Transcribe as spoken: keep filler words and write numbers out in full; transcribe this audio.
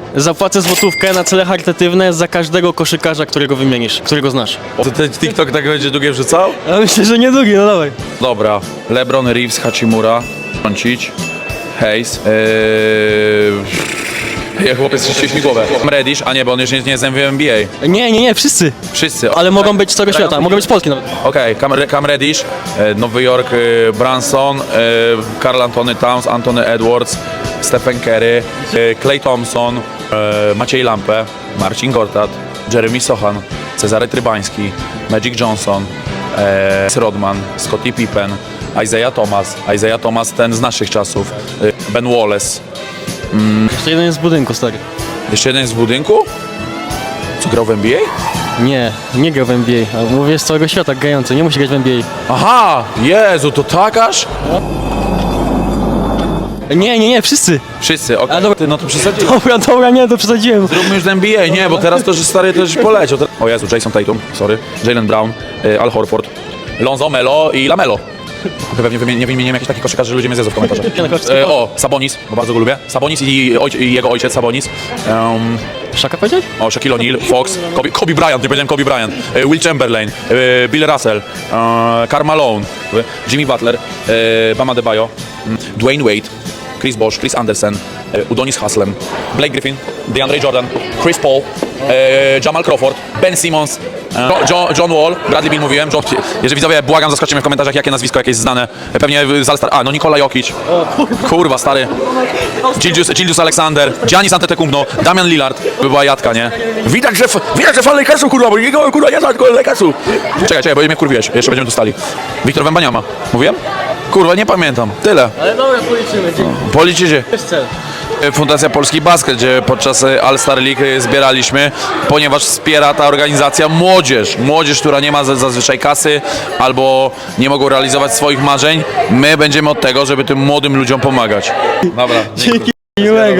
Zapłacę złotówkę na cele charytatywne za każdego koszykarza, którego wymienisz, którego znasz. To ten TikTok tak będzie długie wrzucał? Ja myślę, że niedługi, no dawaj. Dobra, LeBron, Reeves, Hachimura, Doncic, Hayes, yy... ja chłopiec ścieś mi głowę. Reddish, a nie, bo on już nie, nie jest M V P N B A. Nie, nie, nie, wszyscy. Wszyscy. Ale mogą być z całego świata, mogą być z Polski nawet. Okej, okay, Cam, Cam Reddish, e, Nowy Jork, e, Branson, e, Karl Anthony Towns, Anthony Edwards, Stephen Curry, e, Klay Thompson, e, Maciej Lampę, Marcin Gortat, Jeremy Sochan, Cezary Trybański, Magic Johnson, e, Rodman, Scottie Pippen, Isaiah Thomas, Isaiah Thomas ten z naszych czasów, e, Ben Wallace. Jeszcze jeden jest w budynku, stary. Jeszcze jeden jest w budynku? Co, grał w N B A? Nie, nie grał w N B A, a mówię z całego świata, grający, nie musi grać w N B A. Aha, Jezu, to tak aż? Nie, nie, nie, wszyscy. Wszyscy, okej. A, dobra. Ty, no to przesadziłem. Dobra, dobra, nie, to przesadziłem. Zróbmy już z N B A, nie, bo teraz to, że stary, to już poleciał. O Jezu, Jason Tatum, sorry, Jaylen Brown, y, Al Horford, Lonzo, Melo i Lamelo. Pewnie wymienię, nie wymieniłem jakichś takich koszykarzy, że ludzie mnie zjedzą w komentarzach. E, o, Sabonis, bo bardzo go lubię. Sabonis i, oj, i jego ojciec Sabonis. Um, Szaka powiedziałeś? o, Shaquille O'Neal, Fox, Kobe, Kobe Bryant, nie powiedziałem Kobe Bryant, e, Will Chamberlain, e, Bill Russell, e, Karl Malone, e, Jimmy Butler, e, Bam Adebayo, m, Dwayne Wade, Chris Bosh, Chris Andersen, e, Udonis Haslem, Blake Griffin, DeAndre Jordan, Chris Paul, e, Jamal Crawford, Ben Simmons, e, jo, John Wall, Bradley Beal mówiłem, John, jeżeli widzowie, błagam, zaskoczcie mnie w komentarzach, jakie nazwisko jakieś znane, e, pewnie z All-Star, a no Nikola Jokic, kurwa stary, Gildius, Gildius Alexander, Giannis Antetokounmpo, Damian Lillard, by była jadka, nie? Widać, że, widać, że fan Lakersu, kurwa, bo niego, kurwa, nie znam tylko Lakersu. Czekaj, czekaj, bo mnie kurwiłeś, jeszcze będziemy tu stali. Wiktor Wembaniama, mówiłem? Kurwa, nie pamiętam, tyle. Ale dobra, policzymy, dzięki. Policzycie. Jest cel. Fundacja Polski Basket, gdzie podczas All-Star League zbieraliśmy, ponieważ wspiera ta organizacja młodzież. Młodzież, która nie ma zazwyczaj kasy albo nie mogą realizować swoich marzeń. My będziemy od tego, żeby tym młodym ludziom pomagać. Dobra. Dzięki, miłego.